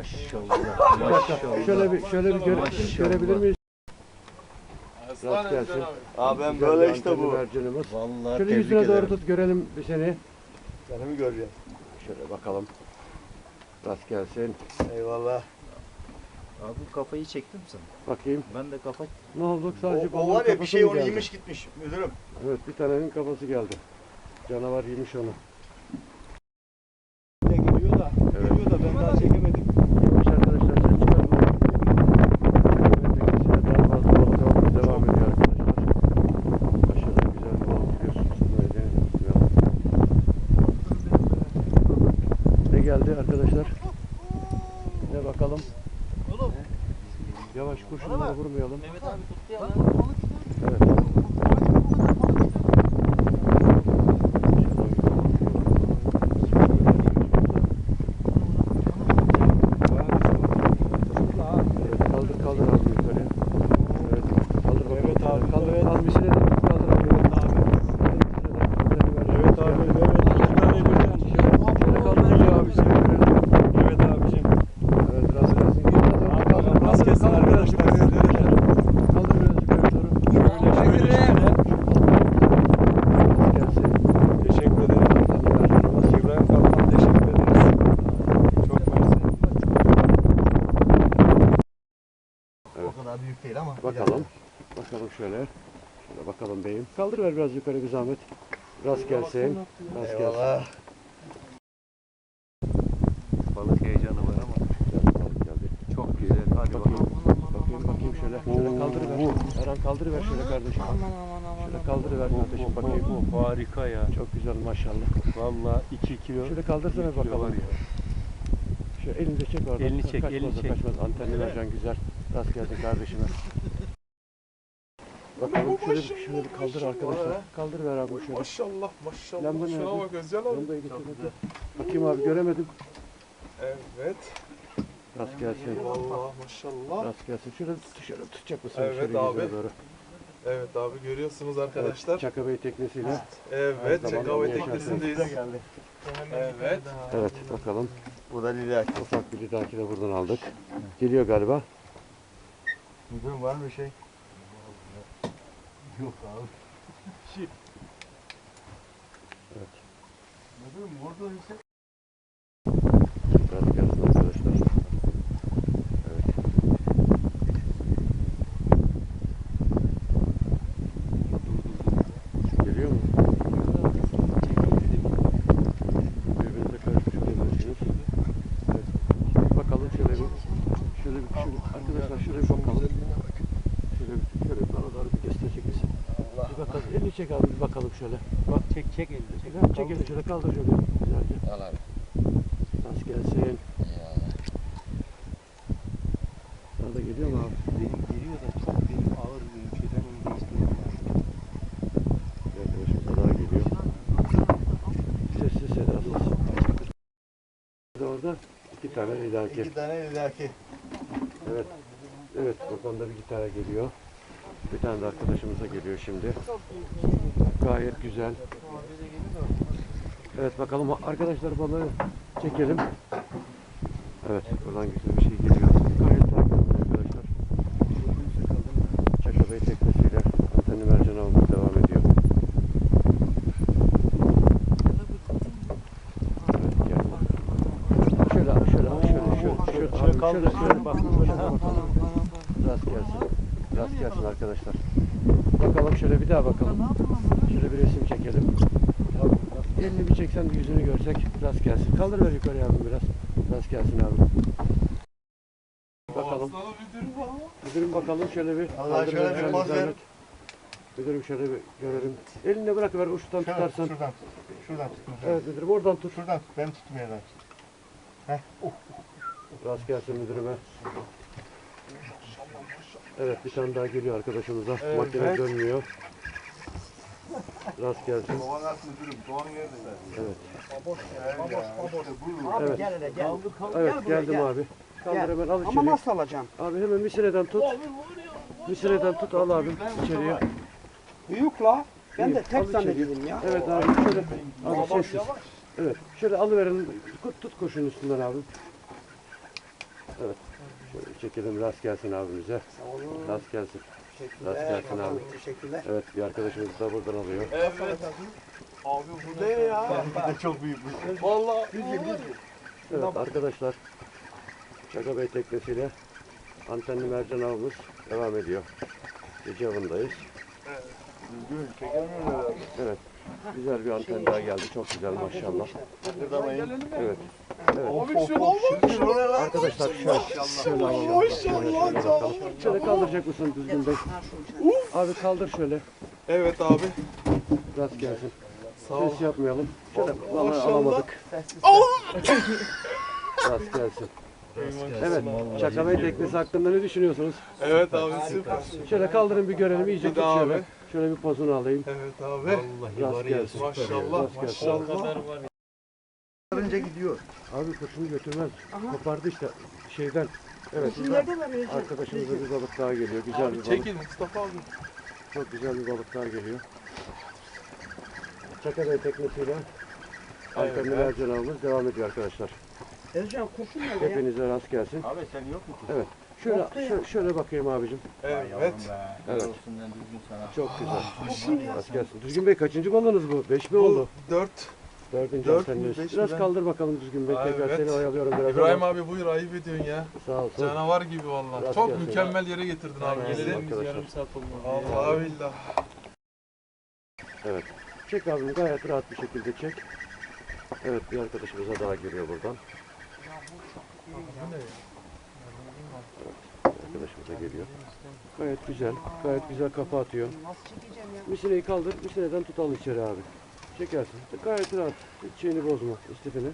Maşallah. Maşallah. Şöyle bir görebilir miyiz? Rast gelsin. Abi ben böyle işte bu. Vallahi Şöyle yüzüne doğru tut görelim bir seni. Seni mi göreceğim? Şöyle bakalım. Rast gelsin. Eyvallah. Abi bu kafayı çektim sen. Bakayım. Ben de kafa... Ne oldu? Sadece O balığın var ya bir kafası şey mı onu geldi? yemiş gitmiş müdürüm. Evet, bir tanenin kafası geldi. Canavar yemiş onu. Ne geliyor da, Evet. geliyor da ben daha çekemedim. Yemiş arkadaşlar, ses çıkartma. Daha fazla balık avımız devam ediyor arkadaşlar. Aşağıda güzel bir balık biliyorsunuz. Ne geldi arkadaşlar? Ne bakalım? Yavaş kurşunları vurmayalım. Mehmet abi tuttu ya. Evet. Kaldır abi yukarı. Evet. Kaldır bakalım. Evet abi. Kaldır. Evet. Az bir süre de kaldır abi. Evet abi. Şöyle kaldırıyor abi. Evet abicim. Evet, rast gelsin. Kaldır. Rast gelsin arkadaşlar. Kaldır biraz yukarı doğru. Şöyle. Rast gelsin. Teşekkür ederim. İbrahim Kaptan teşekkür ederiz. Çok mersi. Evet. O kadar büyük değil ama. Bakalım. Bakalım şöyle. Şöyle bakalım beyim. Kaldırıver biraz yukarı bir zahmet. Rast gelsin. Rast gelsin. Eyvallah. Balık heyecanı var ama. Güzel bir balık geldi. Çok güzel. Hadi bakalım. Bakayım şöyle. Şöyle kaldırıver. Eren kaldırıver şöyle kardeşim. Şöyle kaldırıver kardeşim bakayım. Harika ya. Çok güzel maşallah. Vallahi 2 kilo. Şöyle kaldırsana bir kilo bakalım. var ya. Şöyle elini de çek oradan. Elini çek, Kaçmaz elini o, çek. kaçmaz. Antenli vereceksin güzel. Rast gelsin kardeşime. Bakalım şöyle bir kaldır arkadaşlar. Kaldır ver abi şöyle. Maşallah maşallah. Lamba Şuna nerede? bak Özcan abi. Lambayı getir. Bakayım abi göremedim. Evet. Rast gelsin. Vallahi maşallah. Rast gelsin. Şöyle tutacak mısın? Evet şöyle abi. yüzüne doğru. Evet abi görüyorsunuz arkadaşlar. Çaka Bey teknesiyle. Evet Her zaman Çakava yaşarsın. teknesindeyiz. Evet. Evet bakalım. Bu da lider. Ufak bir lidaki de buradan aldık. Geliyor galiba. Müdürüm var mı bir şey? Yok abi. Evet. Müdürüm orada ise Rast gelsin arkadaşlar. Evet. Geliyor mu? Birbirinize karışmış olabilirsiniz. Evet. Bakalım şöyle arkadaşlar şöyle bir bakalım. Şöyle bana doğru bir gösterecek misin? Bir bakalım. Elini çek abi bir bakalım şöyle. Bak çek elini. Çek elini şöyle kaldır şöyle güzelce. al abi. Rast gelsin. Sana da geliyor mu abi? Benim geliyor da çok benim ağır bir şeyden önce istiyorum. Bir arkadaşımıza daha geliyor. Sessiz sedasız. Orada iki tane lidaki. İki tane lidaki. Evet. Evet buradan da bir tane geliyor. Bir tane de arkadaşımıza geliyor şimdi. Gayet güzel. Evet bakalım arkadaşlar balığı çekelim. Evet buradan güzel bir şey geliyor. Gayet sakin olun arkadaşlar. Çaka Bey teknesiyle antenli mercan avımız devam ediyor. Evet gel. Şöyle kaldır. Bak şöyle bakalım. Rast gelsin. Rast gelsin arkadaşlar. Bakalım şöyle bir daha bakalım. Şöyle bir resim çekelim. Elini bir çeksen de yüzünü görsek rast gelsin. Kaldır ver yukarıya abi biraz. Rast gelsin abi. Bakalım. Müdürüm bakalım şöyle bir. Allah kaldır şöyle ver, bir poz ver. zahmet. Müdürüm şöyle bir görelim. Eline bırakıver uçtan tutarsan. Şuradan tut. Şuradan tut. Evet müdürüm oradan tut. Şuradan tut. Ben tutmayacağım. Rast gelsin müdürüme. Evet bir tane daha geliyor arkadaşımıza. Evet. Makine dönmüyor. Rast gelsin. Kovanat müdürüm. Kovan yerde. Evet. Abi Evet. gel hele gel. Evet Gel buraya, geldim gel. abi. Kaldır Gel. hemen al Ama içeri. nasıl alacağım? Abi hemen misireden tut. Misireden tut al abi içeriye. Büyük la. Ben de Büyük, al tek içeri. zannediyordum ya. Evet abi şöyle. Abi sessiz. Evet şöyle alıverin. Tut kurşunun üstünden abi. Evet. Şöyle çekelim, rast gelsin abimize. Sağ olun. Rast gelsin. Teşekkürler. Rast gelsin abi. Teşekkürler. Evet, bir arkadaşımız da buradan alıyor. Evet. Abi bu ne ya? Çok büyük. Vallahi. Evet arkadaşlar, Çaka Bey teknesiyle antenli mercan avımız devam ediyor. Gece avındayız. Düzgün çekemiyorum herhalde. Evet, güzel bir anten daha geldi. Çok güzel maşallah. Evet. Abi şuna bak. Arkadaşlar şöyle alalım. Şöyle bakalım. Şöyle kaldıracak mısın düzgün bey? Abi kaldır şöyle. Evet abi. Rast gelsin. Sağ ol. Ses yapmayalım. Şöyle vallahi Maşallah. alamadık. Rast gelsin. Evet, Çaka Bey teknesi hakkında ne düşünüyorsunuz? Evet abi süper. Şöyle kaldırın bir görelim. İyice Bir tut daha şöyle. abi. Şöyle bir pozunu alayım. Evet abi. Rast gelsin. Maşallah. Rast gelsin. Maşallah. Önce gidiyor. Abi kurşunu götürmez. Kopardı işte şeyden. Evet. Arkadaşımıza bir balık daha geliyor. Güzel bir Abi balık. çekil Mustafa abi. Çok güzel bir balık daha geliyor. Çaka Bey teknesiyle antenli mercan avımız devam ediyor arkadaşlar. Ercan kurşun nerede ya? Hepinize rast gelsin. Abi sen yok mu? Evet. Şöyle bakayım abicim. Evet. Evet. Çok güzel. Rast gelsin. Düzgün Bey kaçıncı balığınız bu? 5 mi oldu? 4. Dördüncü Dört mü, anteniniz. beş mi Biraz ben? kaldır bakalım Düzgün Bey. Tekrar Evet. seni oyalıyorum biraz. İbrahim ama. abi buyur ayıp ediyorsun ya. Sağ olsun. Canavar gibi vallahi. Rast Çok gelsin. mükemmel yere getirdin abi bizi. Arkadaşlar. Allah billah. Evet. Çek abim gayet rahat bir şekilde çek. Evet bir arkadaşımıza daha geliyor buradan. Evet, arkadaşımıza geliyor. Gayet güzel. Gayet güzel kafa atıyor. Misineyi kaldır. Misineden tutalım içeri abi. Çekersin. Gayet rahat. Hiç şeyini bozma. İstifini.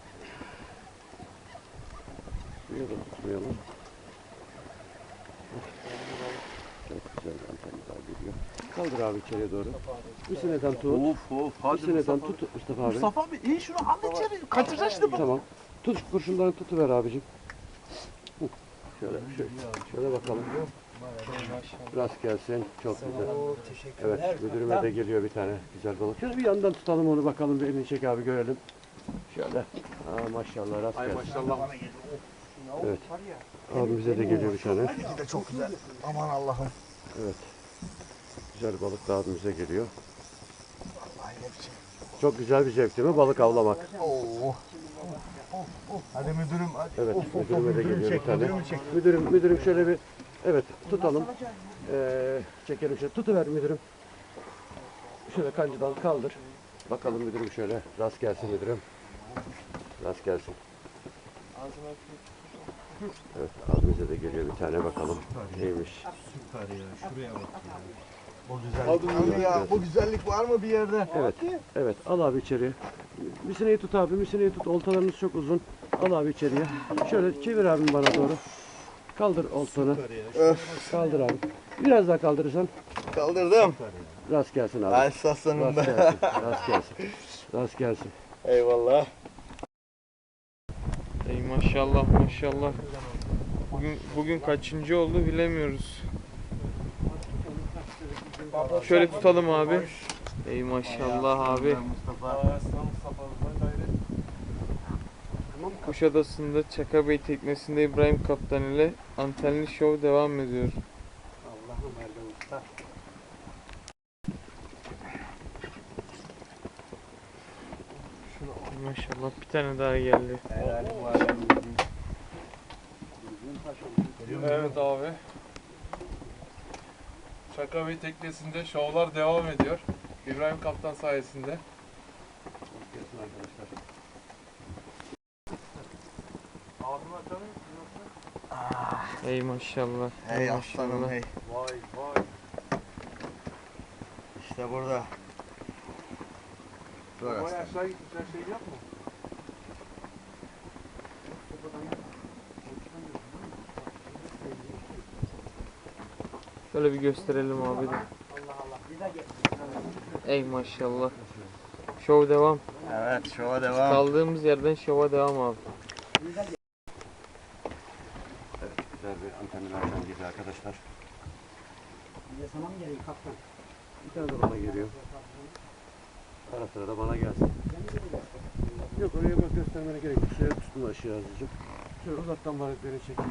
Suya da tutmayalım. Çok güzel bir anten daha geliyor. Kaldır abi içeriye doğru. Misineden tut. Hadi Misineden tut Mustafa abi. Mustafa abi iyi şunu al içeri. Kaçıracaksın şimdi. Tamam. Tut kurşundan tutuver abicim. Hı. Şöyle bakalım. Rast gelsin. Çok güzel. Teşekkürler. Evet müdürüme de geliyor bir tane güzel balık. Şöyle bir yandan tutalım onu bakalım. Bir elini çek abi görelim. Şöyle. Aa, maşallah rast gelsin. Maşallah. Evet. Abimize de geliyor bir tane. de çok güzel. Aman Allah'ım. Evet. Güzel balık da abimize geliyor. Çok güzel bir zevk değil mi balık avlamak? Oo. Hadi müdürüm hadi. Evet müdürüme de geliyor bir tane. müdürümü çek. Müdürüm şöyle bir evet tutalım. Çekelim şöyle. Tutuver müdürüm. Şöyle kancıdan kaldır. Bakalım müdürüm şöyle. Rast gelsin müdürüm. Rast gelsin. Evet abimize de geliyor bir tane bakalım. Neymiş? Abi ya bu güzellik var mı bir yerde? Evet. Evet al abi içeriye. Misineyi tut abi. Misineyi tut. Oltalarınız çok uzun. Al abi içeriye. Şöyle çevir abim bana doğru. Kaldır oltanı. Kaldır abi. Biraz daha kaldırırsan Kaldırdım. rast gelsin abi. Ay saslanım Rast be. gelsin. Rast gelsin. Rast gelsin. Eyvallah. Ey maşallah maşallah. Bugün kaçıncı oldu bilemiyoruz. Şöyle tutalım abi. Ey maşallah abi. Kuşadası'nda Çaka Bey teknesinde İbrahim Kaptan ile antenli şov devam ediyor. Allah'ım Erdem Usta. Maşallah bir tane daha geldi. Evet abi. Çaka Bey teknesinde şovlar devam ediyor. İbrahim Kaptan sayesinde. Gelsin arkadaşlar. Ağzını açalım mı? Ey maşallah. Hey aslanım hey. Vay vay. İşte burada. Dur Vay aslanım. aşağı gitmiş her şeyi yapma. Şöyle bir gösterelim abi de. Allah Allah. Bir de gel. Ey maşallah. Şov devam. Evet şova devam. Kaldığımız yerden şova devam abi. Evet güzel bir antenli mercan gibi arkadaşlar. Bir de sana mı geliyor kaptan? Bir tane de bana geliyor. Ara sıra da bana gelsin. Yok oraya bak göstermene gerek yok. Suya tutun aşağı azıcık. Şöyle uzaktan balıkları çekeyim.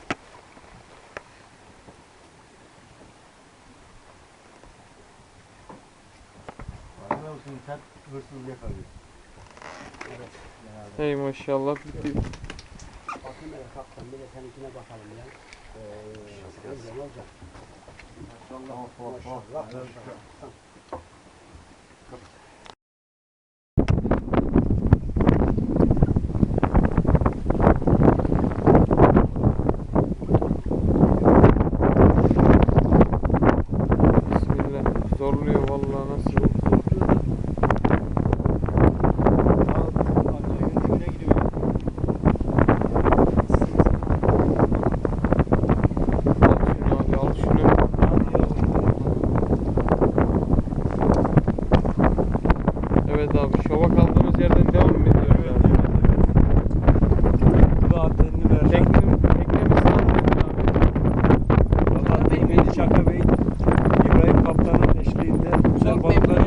Vallahi olsun sen hırsız yakalıyor. Evet. Beraber. Hey maşallah. Bakayım hele kaptan bir de seninkine bakalım ya. Güzel olacak. Maşallah. Maşallah. Maşallah. Bismillah. Zorluyor vallahi nasıl. Al şunu abi al şunu. Evet abi şova kaldığımız yerden devam mı ediyoruz abi? Bu da antenini ver. Teknemiz sağlıklı abi. Valla tekneci Çaka Bey, İbrahim Kaptan'ın eşliğinde güzel balıklar